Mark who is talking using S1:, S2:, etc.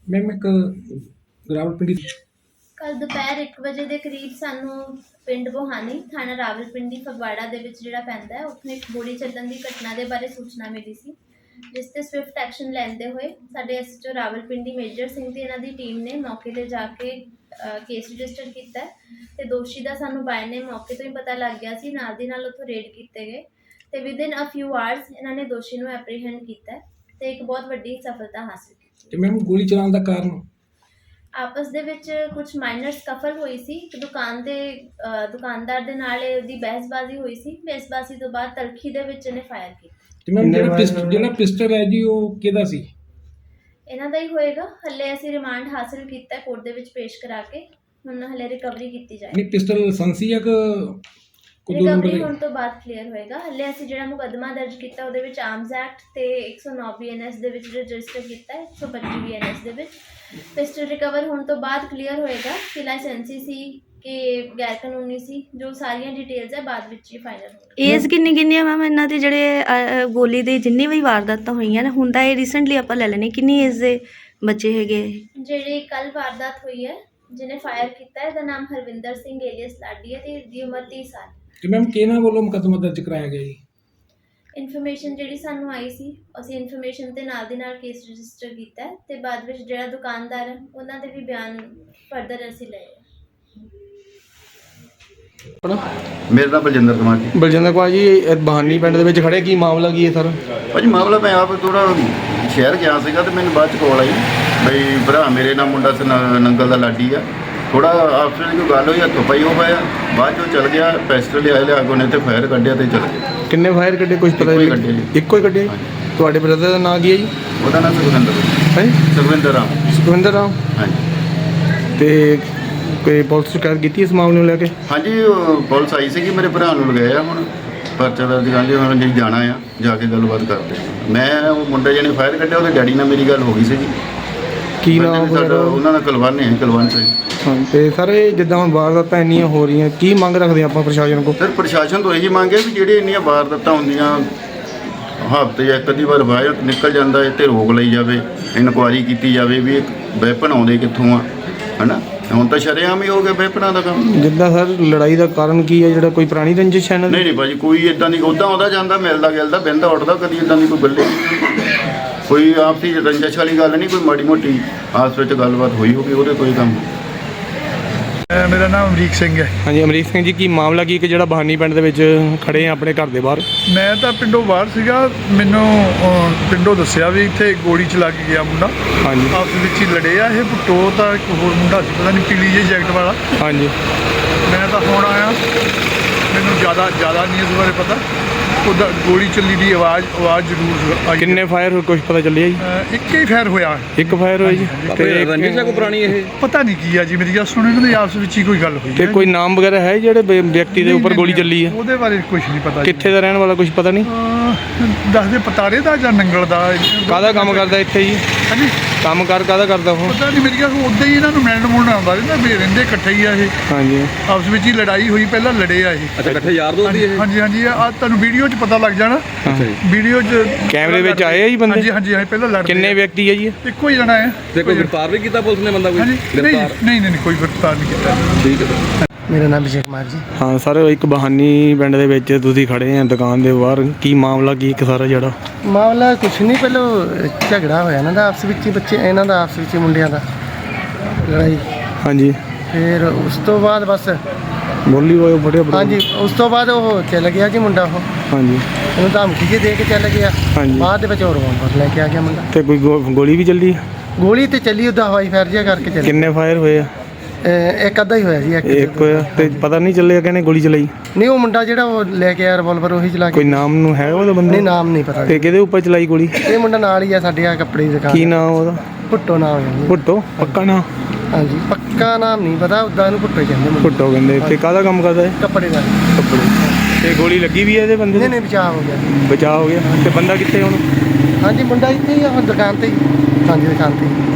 S1: Ma'am एक रावलपिंडी
S2: ਕੱਲ ਦੁਪਹਿਰ 1 ਵਜੇ ਦੇ ਕਰੀਬ ਸਾਨੂੰ ਪਿੰਡ ਬੋਹਾਨੀ ਥਾਣਾ ਰਾਵਲਪਿੰਡੀ ਫਗਵਾੜਾ ਦੇ ਵਿੱਚ ਜਿਹੜਾ ਪੈਂਦਾ ਹੈ ਉੱਥੇ ਇੱਕ ਗੋਲੀ ਚੱਲਣ ਦੀ ਘਟਨਾ ਦੇ ਬਾਰੇ ਸੂਚਨਾ ਮਿਲੀ ਸੀ, ਜਿਸ ਤੇ ਸਵਿਫਟ ਐਕਸ਼ਨ ਲੈਂਦੇ ਹੋਏ ਸਾਡੇ ਐਸਐਚਓ ਰਾਵਲਪਿੰਡੀ ਮੇਜਰ ਸਿੰਘ ਤੇ ਇਹਨਾਂ ਦੀ ਟੀਮ ਨੇ ਮੌਕੇ ਤੇ ਜਾ ਕੇ ਕੇਸ ਰਜਿਸਟਰ ਕੀਤਾ ਤੇ ਦੋਸ਼ੀ ਦਾ ਸਾਨੂੰ ਬਾਏ ਨੇ ਮੌਕੇ ਤੋਂ ਹੀ ਪਤਾ ਲੱਗ ਗਿਆ ਸੀ। ਨਾਲ ਦੀ ਨਾਲ ਉੱਥੋਂ ਰੇਡ ਕੀਤੇ ਗਏ ਤੇ ਵਿਦਿਨ ਅ ਫਿਊ ਆਵਰਸ ਇਹਨਾਂ ਨੇ ਦੋਸ਼ੀ ਨੂੰ ਐਪਰੀਹੈਂਡ ਕੀਤਾ ਤੇ ਇੱਕ ਬਹੁਤ ਵੱਡੀ ਸਫਲਤਾ ਹਾਸਲ ਕੀਤੀ।
S1: ਤੇ ਮੈਮ ਗੋਲੀ ਚਲਾਉਣ ਦਾ ਕਾਰਨ
S2: ਆਪਸ ਦੇ ਵਿੱਚ ਕੁਝ ਮਾਈਨਰ ਸਕਫਲ ਹੋਈ ਸੀ ਕਿ ਦੁਕਾਨਦਾਰ ਦੇ ਨਾਲ ਇਹਦੀ ਬਹਿਸਬਾਜ਼ੀ ਹੋਈ ਸੀ। ਬਹਿਸਬਾਜ਼ੀ ਤੋਂ ਬਾਅਦ ਤਲਖੀ ਦੇ ਵਿੱਚ ਇਹਨੇ ਫਾਇਰ ਕੀਤਾ।
S1: ਤੇ ਮੈਮ ਜਿਹੜਾ ਪਿਸਟਲ ਹੈ ਜੀ ਉਹ ਕਿਹਦਾ ਸੀ?
S2: ਇਹਨਾਂ ਦਾ ਹੀ ਹੋਏਗਾ। ਹੱਲੇ ਅਸੀਂ ਰਿਮਾਂਡ ਹਾਸਲ ਕੀਤਾ ਕੋਰਟ ਦੇ ਵਿੱਚ ਪੇਸ਼ ਕਰਾ ਕੇ ਹੁਣ ਹੱਲੇ ਰਿਕਵਰੀ ਕੀਤੀ ਜਾਏਗੀ।
S1: ਨਹੀਂ ਪਿਸਟਲ ਲਾਇਸੈਂਸੀ ਹੈ ਕਿ
S2: ਰਿਕਵਰੀ ਹੋਣ ਤੋਂ ਬਾਅਦ ਕਲੀਅਰ ਹੋਏਗਾ। ਹੱਲੇ ਅਸੀਂ ਜਿਹੜਾ ਮੁਕੱਦਮਾ ਦਰਜ ਕੀਤਾ ਉਹਦੇ ਵਿੱਚ ਆਰਮਸ ਐਕਟ ਤੇ 109 ਬੀਐਨਐਸ ਦੇ ਵਿੱਚ ਰਜਿਸਟਰ ਕੀਤਾ ਹੈ, 125 ਬੀਐਨਐਸ ਦੇ ਵਿੱਚ। ਪਿਸਟਲ ਰਿਕਵਰ ਹੋਣ ਤੋਂ ਬਾਅਦ ਕਲੀਅਰ ਹੋਏਗਾ ਕਿ ਲਾਇਸੈਂਸੀ ਸੀ ਕਿ ਗੈਰ ਕਾਨੂੰਨੀ ਸੀ। ਜੋ ਸਾਰੀਆਂ ਡਿਟੇਲਸ ਹੈ ਬਾਅਦ ਵਿੱਚ ਹੀ ਫਾਈਨਲ ਹੋਣਗੀਆਂ।
S3: ਏਜ ਕਿੰਨੀ ਹੈ ਮੈਮ ਇਹਨਾਂ ਦੇ ਜਿਹੜੇ ਗੋਲੀ ਦੇ ਜਿੰਨੀ ਵੀ ਵਾਰਦਾਤਾਂ ਹੋਈਆਂ ਨੇ ਹੁਣ ਤਾਂ ਇਹ ਰੀਸੈਂਟਲੀ ਆਪਾਂ ਲੈ ਲੈਣੇ ਕਿੰਨੀ ਏਜ ਦੇ ਬੱਚੇ ਹੈਗੇ?
S2: ਜਿਹੜੀ ਕੱਲ ਵਾਰਦਾਤ ਹੋਈ ਹੈ ਜਿਹਨੇ ਫਾਇਰ ਕੀਤਾ ਇਹਦਾ ਨਾਮ ਹਰਵਿੰਦਰ ਸਿੰਘ ਏਲੀਅਸ ਲਾਡੀ ਹੈ ਤੇ ਇਹਦੀ ਉਮਰ 30 ਸਾਲ।
S1: ਤੇ ਮੈਮ ਕਿਹਨਾਂ ਵੱਲੋਂ ਮੁਕੱਦਮਾ ਦਰਜ ਕਰਾਇਆ ਗਿਆ ਜੀ?
S2: ਇਨਫੋਰਮੇਸ਼ਨ ਜਿਹੜੀ ਸਾਨੂੰ ਆਈ ਸੀ ਅਸੀਂ ਇਨਫੋਰਮੇਸ਼ਨ ਤੇ ਨਾਲ ਦੀ ਨਾਲ ਕੇਸ ਰਜਿਸਟਰ ਕੀਤਾ ਤੇ ਬਾਅਦ ਵਿੱਚ ਜਿਹੜਾ ਦੁਕਾਨਦਾਰ ਹੈ ਉਹਨਾਂ ਦੇ ਵੀ ਬਿਆਨ ਫਰਦਰ ਅਸੀਂ ਲਏ।
S4: ਮੇਰਾ ਨਾਮ ਬਲਜਿੰਦਰ ਕੁਮਾਰ ਜੀ।
S5: ਬਲਜਿੰਦਰ ਕੁਮਾਰ ਜੀ ਬਹਾਨੀ ਪਿੰਡ ਦੇ ਵਿੱਚ ਖੜੇ, ਕੀ ਮਾਮਲਾ ਕੀ ਹੈ ਸਰ?
S4: ਭਾਜੀ ਮਾਮਲਾ ਮੈਂ ਆਪ ਥੋੜਾ ਸ਼ਹਿਰ ਗਿਆ ਸੀਗਾ ਤੇ ਮੈਨੂੰ ਬਾਅਦ ਚ ਕਾਲ ਆਈ ਬਈ ਭਰਾ ਮੇਰੇ ਨਾਲ ਮੁੰਡਾ ਸੀ ਨੰਗਲ ਦਾ ਲਾਡੀ ਆ, ਥੋੜਾ ਆਪਸ ਵਿੱਚ ਕੋਈ ਗੱਲ ਹੋਈ, ਹੱਥੋਂ ਪਾਈ ਹੋ ਪਾਇਆ, ਬਾਅਦ ਚੋਂ ਚਲ ਗਿਆ ਪੈਸਟਲ ਲਿਆ ਕੇ ਉਹਨੇ ਤੇ ਫਾਇਰ ਕੱਢਿਆ ਤੇ ਚਲ ਗਿਆ।
S5: ਕਿੰਨੇ ਫਾਇਰ ਕੱਢੇ ਕੁਝ ਪਤਾ ਨਹੀਂ? ਇੱਕੋ ਹੀ ਕੱਢੇ। ਤੁਹਾਡੇ ਬ੍ਰਦਰ ਦਾ ਨਾਂ ਕੀ ਹੈ ਜੀ?
S4: ਉਹਦਾ ਨਾਮ ਸੁਖਵਿੰਦਰ
S5: ਹੈ। ਸੁਖਵਿੰਦਰ ਰਾਮ।
S4: ਹਾਂਜੀ।
S5: ਤੇ ਕੋਈ ਪੁਲਿਸ ਸ਼ਿਕਾਇਤ ਕੀਤੀ ਇਸ ਮਾਮਲੇ ਨੂੰ ਲੈ ਕੇ?
S4: ਹਾਂਜੀ ਪੁਲਿਸ ਆਈ ਸੀਗੀ, ਮੇਰੇ ਭਰਾ ਨੂੰ ਲਗਾਇਆ ਆ, ਹੁਣ ਪਰਚਾ ਦਰਜ ਕਰ ਲਿਆ, ਹੁਣ ਜਿਹੜੀ ਜਾਣਾ ਆ ਜਾ ਕੇ ਗੱਲਬਾਤ ਕਰਦੇ। ਮੈਂ ਉਹ ਮੁੰਡੇ ਜਿਹਨੇ ਫਾਇਰ ਕੱਢਿਆ ਉਹਦੇ ਡੈਡੀ ਨਾਲ ਮੇਰੀ ਗੱਲ ਹੋ ਗਈ ਸੀਗੀ।
S5: ਕੀ ਨਾਮ
S4: ਉਹਨਾਂ ਦਾ ਕੁਲਵੰਤ ਹੈ, ਕੁਲਵੰਤ ਸਿੰਘ।
S5: ਹਾਂ ਤੇ ਸਰ ਇਹ ਜਿੱਦਾਂ ਵਾਰਦਾਤਾਂ ਇੰਨੀਆਂ ਹੋ ਰਹੀਆਂ ਕੀ ਮੰਗ ਰੱਖਦੇ ਆਪਾਂ ਪ੍ਰਸ਼ਾਸਨ ਕੋਲ?
S4: ਸਰ ਪ੍ਰਸ਼ਾਸਨ ਤੋਂ ਇਹੀ ਮੰਗ ਹੈ ਵੀ ਜਿਹੜੇ ਇੰਨੀਆਂ ਵਾਰਦਾਤਾਂ ਹੁੰਦੀਆਂ ਹਫ਼ਤੇ ਜਾਂ ਇੱਕ ਅੱਧੀ ਵਾਰ ਬਾਹਰ ਨਿਕਲ ਜਾਂਦਾ ਹੈ ਤੇ ਰੋਕ ਲਈ ਜਾਵੇ, ਇਨਕੁਆਇਰੀ ਕੀਤੀ ਜਾਵੇ ਵੀ ਇਹ ਵੈਪਨ ਆਉਂਦੇ ਕਿੱਥੋਂ ਆ, ਹੈ ਨਾ। ਹੁਣ ਤਾਂ ਸ਼ਰੇਆਮ ਹੀ ਹੋ ਗਿਆ ਵੈਪਨਾਂ ਦਾ ਕੰਮ।
S5: ਜਿੱਦਾਂ ਸਰ ਲੜਾਈ ਦਾ ਕਾਰਨ ਕੀ ਹੈ? ਜਿਹੜਾ ਕੋਈ ਪੁਰਾਣੀ ਰੰਜਿਸ਼ ਹੈ?
S4: ਨਹੀਂ ਭਾਜੀ ਕੋਈ ਇੱਦਾਂ ਨਹੀਂ, ਉੱਦਾਂ ਆਉਂਦਾ ਜਾਂਦਾ ਮਿਲਦਾ ਗਿਲਦਾ ਬਹਿੰਦਾ ਉੱਠਦਾ, ਕਦੀ ਇੱਦਾਂ ਦੀ ਕੋਈ ਗੱਲੇ ਕੋਈ ਆਪਸੀ ਰੰਜਿਸ਼ ਵਾਲੀ ਗੱਲ ਨਹੀਂ, ਕੋਈ ਮਾੜੀ ਮੋਟੀ ਆਪਸ ਵਿੱਚ ਗੱਲਬਾਤ ਹੋਈ ਹੋਵੇ ਉਹਦੇ ਕੋਈ ਕੰਮ।
S6: ਮੇਰਾ ਨਾਮ ਅਮਰੀਕ ਸਿੰਘ ਹੈ।
S5: ਹਾਂਜੀ ਅਮਰੀਕ ਸਿੰਘ ਜੀ, ਕੀ ਮਾਮਲਾ ਕੀ ਕਿ ਜਿਹੜਾ ਬਹਾਨੀ ਪਿੰਡ ਦੇ ਵਿੱਚ ਖੜੇ ਆ ਆਪਣੇ ਘਰ ਦੇ ਬਾਹਰ?
S6: ਮੈਂ ਤਾਂ ਪਿੰਡੋਂ ਬਾਹਰ ਸੀਗਾ, ਮੈਨੂੰ ਪਿੰਡੋਂ ਦੱਸਿਆ ਵੀ ਇੱਥੇ ਗੋਲੀ ਚਲਾ ਕੇ ਗਿਆ ਮੁੰਡਾ।
S5: ਹਾਂਜੀ।
S6: ਆਪਸ ਵਿੱਚ ਹੀ ਲੜੇ ਆ ਇਹ। ਭੁੱਟੋ ਤਾਂ ਇੱਕ ਹੋਰ ਮੁੰਡਾ ਸੀ, ਪਤਾ ਨਹੀਂ ਪੀਲੀ ਜਿਹੀ ਜੈਕਟ ਵਾਲਾ।
S5: ਹਾਂਜੀ।
S6: ਮੈਂ ਤਾਂ ਹੁਣ ਆਇਆ, ਮੈਨੂੰ ਜ਼ਿਆਦਾ ਨਹੀਂ ਇਸ ਬਾਰੇ ਪਤਾ। ਉਹਦਾ ਗੋਲੀ ਚੱਲੀ ਦੀ ਆਵਾਜ਼ ਜ਼ਰੂਰ ਆਈ।
S5: ਕਿੰਨੇ ਫਾਇਰ ਹੋਏ ਕੁਝ ਪਤਾ ਚੱਲਿਆ ਜੀ?
S6: ਇੱਕ ਹੀ ਫਾਇਰ ਹੋਇਆ।
S5: ਇੱਕ ਫਾਇਰ ਹੋਇਆ ਜੀ।
S6: ਤੇ ਰੰਜਿਸ਼ ਹੈ ਕੋਈ ਪੁਰਾਣੀ? ਇਹ ਪਤਾ ਨਹੀਂ ਕੀ ਆ ਜੀ, ਮੇਰੀ ਗੱਲ ਸੁਣੋ, ਇਹਨਾਂ ਦੇ ਆਪਸ ਵਿੱਚ ਹੀ ਕੋਈ ਗੱਲ ਹੋਈ।
S5: ਤੇ ਕੋਈ ਨਾਮ ਵਗੈਰਾ ਹੈ ਜਿਹੜੇ ਵਿਅਕਤੀ ਦੇ ਉੱਪਰ ਗੋਲੀ ਚੱਲੀ ਹੈ?
S6: ਉਹਦੇ ਬਾਰੇ ਕੁਝ ਨਹੀਂ ਪਤਾ।
S5: ਕਿੱਥੇ ਦਾ ਰਹਿਣ ਵਾਲਾ ਕੁਝ ਪਤਾ ਨਹੀਂ?
S6: ਦੱਸਦੇ ਪਤਾਰੇ ਦਾ ਜਾਂ ਨੰਗਲ ਦਾ।
S5: ਕਾਹਦਾ ਕੰਮ ਕਰਦਾ ਇੱਥੇ ਜੀ?
S6: ਹਾਂਜੀ।
S5: ਕੰਮ ਕਾਹਦਾ ਕਰਦਾ ਉਹ?
S6: ਪਤਾ ਨਹੀਂ, ਮੇਰੀ ਗੱਲ ਉੱਦਾਂ ਹੀ ਇਹਨਾਂ ਨੂੰ ਮਿਲਣ ਆਉਂਦਾ ਰਹਿੰਦਾ ਵੀ ਰਹਿੰਦੇ ਇਕੱਠੇ ਹੀ ਆ ਇਹ।
S5: ਹਾਂਜੀ।
S6: ਆਪਸ ਵਿੱਚ ਹੀ ਲੜਾਈ ਹੋਈ, ਪਹਿਲਾਂ ਲੜੇ ਆ ਇਹ।
S5: ਅੱਛਾ ਇਕੱਠੇ ਯਾਰ ਦੋਸਤ ਹੀ ਇਹ?
S6: ਹਾਂਜੀ ਹਾਂਜੀ, ਆ ਤੁਹਾਨੂੰ ਵੀਡੀਓ 'ਚ ਪਤਾ ਲੱਗ ਜਾਣਾ। ਵੀਡੀਓ 'ਚ
S5: ਕੈਮਰੇ ਵਿੱਚ ਆਏ ਆ ਜੀ ਬੰਦੇ?
S6: ਹਾਂਜੀ ਹਾਂਜੀ, ਪਹਿਲਾਂ ਲੜਦੇ।
S5: ਕਿੰਨੇ ਵਿਅਕਤੀ ਹੈ ਜੀ?
S6: ਇੱਕੋ ਹੀ ਜਣਾ ਹੈ।
S5: ਤੇ ਕੋਈ ਗ੍ਰਿਫਤਾਰ ਵੀ ਕੀਤਾ ਪੁਲਿਸ ਨੇ ਬੰਦਾ ਕੋਈ?
S6: ਨਹੀਂ ਕੋਈ ਗ੍ਰਿਫਤਾਰ ਨਹੀਂ ਕੀਤਾ।
S5: ਠੀਕ ਹੈ।
S7: ਮੇਰਾ ਨਾਮ ਵਿਜੇ ਕੁਮਾਰ ਜੀ।
S5: ਹਾਂ ਸਰ, ਇੱਕ ਬਹਾਨੀ ਪਿੰਡ ਦੇ ਵਿੱਚ ਤੁਸੀਂ ਖੜੇ ਆ ਦੁਕਾਨ ਦੇ ਬਾਹਰ, ਕੀ ਮਾਮਲਾ ਕੀ ਇੱਕ ਸਾਰਾ ਜਿਹੜਾ?
S7: ਮਾਮਲਾ ਕੁਛ ਨਹੀਂ, ਪਹਿਲਾਂ ਝਗੜਾ ਹੋਇਆ ਇਹਨਾਂ ਦਾ ਆਪਸ ਵਿੱਚ ਹੀ, ਬੱਚੇ ਇਹਨਾਂ ਦਾ ਆਪਸ ਵਿੱਚ ਮੁੰਡਿਆਂ ਦਾ ਲੜਾਈ।
S5: ਹਾਂਜੀ।
S7: ਫਿਰ ਉਸ ਤੋਂ ਬਾਅਦ ਬਸ
S5: ਬੋਲੀ ਹੋਏ ਬੜੇ।
S7: ਹਾਂਜੀ, ਉਸ ਤੋਂ ਬਾਅਦ ਉਹ ਚੱਲ ਗਿਆ ਜੀ ਮੁੰਡਾ। ਉਹ
S5: ਹਾਂਜੀ।
S7: ਉਹਨੂੰ ਧਮਕੀ ਜਿਹੀ ਦੇ ਕੇ ਚੱਲ ਗਿਆ।
S5: ਹਾਂਜੀ।
S7: ਬਾਅਦ ਦੇ ਵਿੱਚ ਹੋਰ ਰਿਵਾਲਵਰ ਲੈ ਕੇ ਆ ਗਿਆ ਮੁੰਡਾ।
S5: ਤੇ ਕੋਈ ਗੋਲੀ ਵੀ ਚੱਲੀ?
S7: ਗੋਲੀ ਤੇ ਚੱਲੀ, ਉਹਦਾ ਹਵਾਈ ਫਾਇਰ ਜਿਹਾ ਕਰਕੇ ਚੱਲੀ।
S5: ਕਿੰਨੇ ਫਾਇਰ ਹੋਏ ਆ?
S7: ਇੱਕ ਅੱਧਾ ਹੀ ਹੋਇਆ ਜੀ।
S5: ਇੱਕ ਹੋਇਆ। ਤੇ ਪਤਾ ਨਹੀਂ ਚੱਲਿਆ ਕਿਹਨੇ ਗੋਲੀ ਚਲਾਈ?
S7: ਨਹੀਂ, ਉਹ ਮੁੰਡਾ ਜਿਹੜਾ ਉਹ ਲੈ ਕੇ ਆਇਆ ਰਿਵਾਲਵਰ ਉਹੀ ਚਲਾ
S5: ਕੋਈ
S7: ਕੇ।
S5: ਨਾਮ ਨੂੰ ਹੈ ਉਹਦਾ ਬੰਦੇ?
S7: ਨਹੀਂ, ਨਾਮ ਨਹੀਂ ਪਤਾ।
S5: ਤੇ ਕਿਹਦੇ ਉੱਪਰ ਚਲਾਈ ਗੋਲੀ?
S7: ਇਹ ਮੁੰਡਾ ਨਾਲ ਹੀ ਆ ਸਾਡੇ ਆ ਕੱਪੜੇ ਦੀ ਦੁਕਾਨ।
S5: ਕੀ ਨਾਮ ਉਹਦਾ?
S7: ਭੁੱਟੋ ਨਾਮ ਹੈ ਜੀ।
S5: ਭੁੱਟੋ ਪੱਕਾ ਨਾਮ?
S7: ਹਾਂਜੀ, ਪੱਕਾ ਨਾਮ ਨਹੀਂ ਪਤਾ, ਉੱਦਾਂ ਇਹਨੂੰ ਭੁੱਟੋ ਕਹਿੰਦੇ ਮੁੰਡੇ।
S5: ਭੁੱਟੋ ਕਹਿੰਦੇ। ਤੇ ਕਾਹਦਾ ਕੰਮ ਕਰਦਾ ਹੈ?
S7: ਕੱਪੜੇ ਦਾ।
S5: ਕੱਪੜੇ। ਤੇ ਗੋਲੀ ਲੱਗੀ ਵੀ ਹੈ ਇਹਦੇ ਬੰਦੇ?
S7: ਨਹੀਂ ਬਚਾਅ ਹੋ ਗਿਆ।
S5: ਬਚਾਅ ਹੋ ਗਿਆ। ਤੇ ਬੰਦਾ ਕਿੱਥੇ ਹੁਣ?
S7: ਹਾਂਜੀ, ਮੁੰਡਾ ਇੱਥੇ ਹੀ ਆ ਹੁਣ ਦੁਕਾਨ ਤੇ ਹੀ। ਹਾਂਜੀ, ਦੁਕਾਨ ਤੇ ਹੀ।